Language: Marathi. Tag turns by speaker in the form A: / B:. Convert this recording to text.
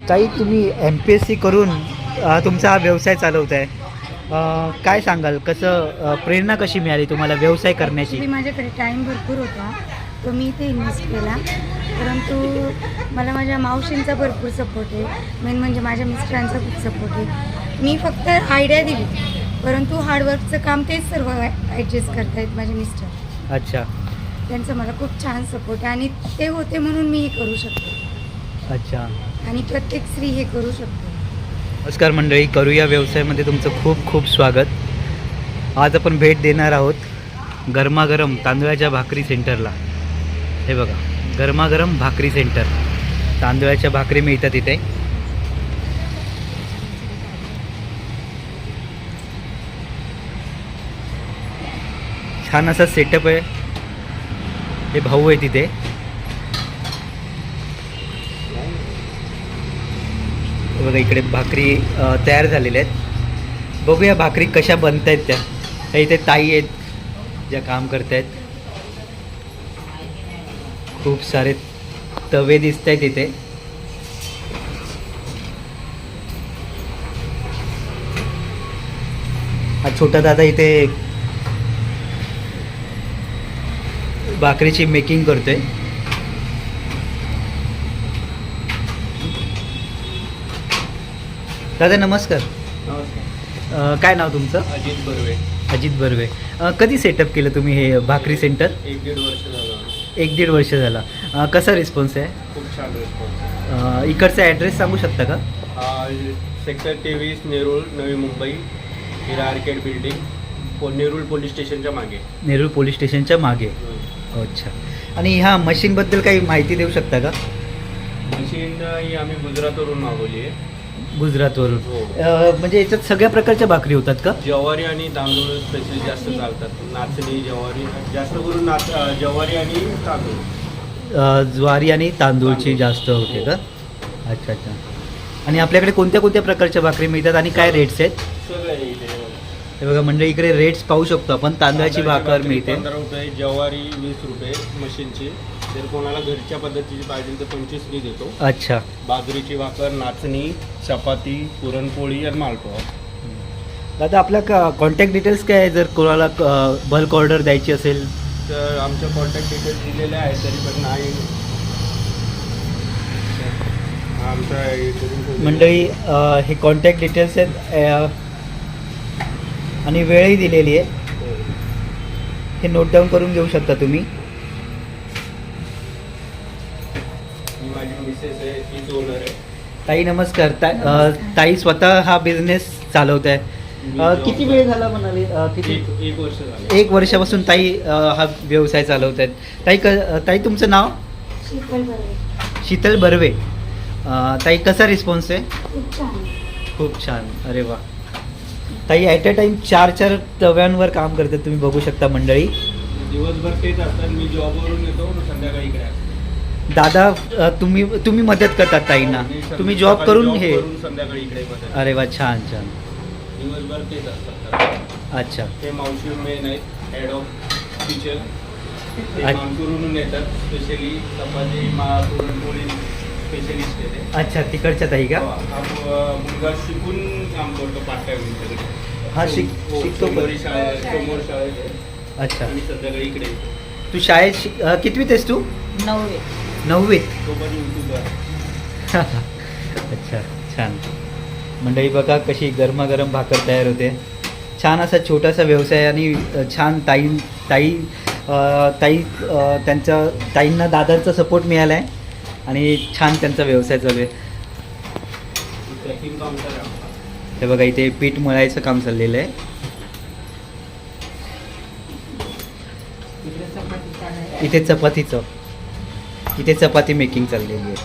A: ताई तुम्ही MPSC करून तुमचा हा व्यवसाय चालवत आहे, काय सांगाल कसं प्रेरणा कशी मिळाली तुम्हाला व्यवसाय करण्याची?
B: ॲक्च्युली माझ्याकडे टाईम भरपूर होता, तो मी इथे इन्व्हेस्ट केला. परंतु मला माझ्या मावशींचा भरपूर सपोर्ट आहे, मेन म्हणजे माझ्या मिस्टरांचा खूप सपोर्ट आहे. मी फक्त आयडिया दिली, परंतु हार्डवर्कचं काम तेच सर्व ॲडजस्ट करतायत माझे मिस्टर.
A: अच्छा
B: त्यांचा मला खूप छान सपोर्ट आहे आणि ते होते म्हणून मी हे करू शकते
A: अच्छा.
B: आणि प्रत्येक स्त्री हे करू शकते.
A: नमस्कार मंडळी, करूया व्यवसायामध्ये तुमचं खूप खूप स्वागत. आज आपण भेट देणार आहोत गरमागरम तांदळाच्या भाकरी सेंटरला. हे बघा, गरमागरम भाकरी सेंटर, तांदळाच्या भाकरी मिळतात इथे. छान असा सेटअप आहे. हे भाऊ आहे तिथे. बघा इकडे भाकरी तयार झालेल्या आहेत. बघूया भाकरी कशा बनत आहेत त्या इथे ताई आहेत ज्या काम करत आहेत. खूप सारे तवे दिसत आहेत इथे. हा छोटा दादा इथे भाकरीची मेकिंग करतोय. दादा नमस्कार.
C: नमस्कार.
A: काय नाव तुमचं?
C: अजित बर्वे.
A: अजित बर्वे. कधी सेटअप केलं तुम्ही हे भाकरी सेंटर?
C: 1-1.5 वर्ष झालं.
A: 1-1.5 वर्ष झाला. कसा रिस्पॉन्स आहे?
C: खूप छान रिस्पॉन्स.
A: इकडचा ॲड्रेस सांगू शकता का?
C: Sector 23 Nerul, Navi Mumbai, Hira arcade building, Nerul police स्टेशनच्या मागे.
A: नेरूळ पोलीस स्टेशनच्या मागे. अच्छा. आणि ह्या मशीनबद्दल काही माहिती देऊ शकता का?
C: मशीन ही आम्ही गुजरातवरून मागवली आहे.
A: गुजरातवरून.
C: हो.
A: म्हणजे याच्यात सगळ्या प्रकारच्या भाकरी होतात का?
C: ज्वारी आणि तांदूळ स्पेशल जास्त चालतात. नाचणी, ज्वारी, जास्त करून ज्वारी आणि तांदूळ.
A: ज्वारी आणि तांदूळची जास्त होते का? अच्छा अच्छा. आणि आपल्याकडे कोणत्या कोणत्या प्रकारच्या भाकरी मिळतात आणि काय रेट्स आहेत?
C: सगळं आहे इथे.
A: हे बघा मंडळी, इकडे रेट्स पाहू शकतो आपण. तांदळाची भाकर मिळते
C: 15 रुपये, ज्वारी 20 रुपये मशीनची. जर कोणाला घरच्या पद्धतीची पाहिजे तर 25 मी देतो.
A: अच्छा.
C: बाजरीची भाकर, नाचणी, चपाती, पुरणपोळी आणि मालपोहा.
A: दादा आपल्या कॉन्टॅक्ट डिटेल्स काय आहे जर कोणाला बल्क ऑर्डर द्यायची असेल?
C: तर आमच्या कॉन्टॅक्ट डिटेल्स दिलेले आहेत, तरी पण नाही आमचा
A: मंडळी हे कॉन्टॅक्ट डिटेल्स आहेत आणि वेळही दिलेली आहे. हे नोट डाऊन करून घेऊ शकता तुम्ही.
C: ही माझी मिसेस आहे, तीच ओनर आहे.
A: ताई नमस्कार. ताई स्वतः हा बिझनेस चालवत आहे. किती वेळ झाला म्हणाले? किती?
C: 1 वर्ष झालं.
A: 1 वर्षापासून ताई हा व्यवसाय चालवत आहेत. ताई तुमचं नाव?
B: शीतल बर्वे.
A: शीतल बर्वे. ताई कसा रिस्पॉन्स आहे?
B: खूप छान.
A: खूप छान. अरे वा. ताई ॲट अ टाईम 4 तव्यांवर काम करतात, तुम्ही बघू शकता मंडळी.
C: दिवसभर तेच असतात. मी जॉबवरून येतो, मग संध्याकाळी इकडे असतो.
A: दादा तुम्ही मदत करतात ताईंना. तुम्ही जॉब करून हे?
C: संध्याकाळी इकडे मदत.
A: अरे वा, छान छान.
C: दिवसभर तेच असतात.
A: अच्छा.
C: ते मावशी मेन आहेत, हेड ऑफ किचन. ते
A: अच्छा.
C: मानपूरहून येतात, स्पेशली चपाती, पुरणपोळी स्पेशलिस्ट आहे ते.
A: अच्छा, तिकडच्या ताई का?
C: हा मुलगा शिकून काम करतो पार्ट टाइम इकडे.
A: हा शिकतो पण.
C: समोर शाळेत आहे.
A: अच्छा.
C: आणि संध्याकाळी इकडे
A: तू शाळेत कितवीत आहेस तू? 9वीत.
C: तो पण यूट्यूबर.
A: अच्छा, छान. मंडळी बघा कशी गरमागरम भाकर तयार होते. छान असा छोटासा व्यवसाय आणि छान ताईंना दादांचा सपोर्ट मिळाला आहे आणि छान त्यांचा व्यवसाय चालू आहे.
C: ट्रॅकिंग काम करा.
A: हे बघा इथे पीठ मळायचं काम चाललेलं आहे. इथे चपाती मेकिंग चाललेली आहे.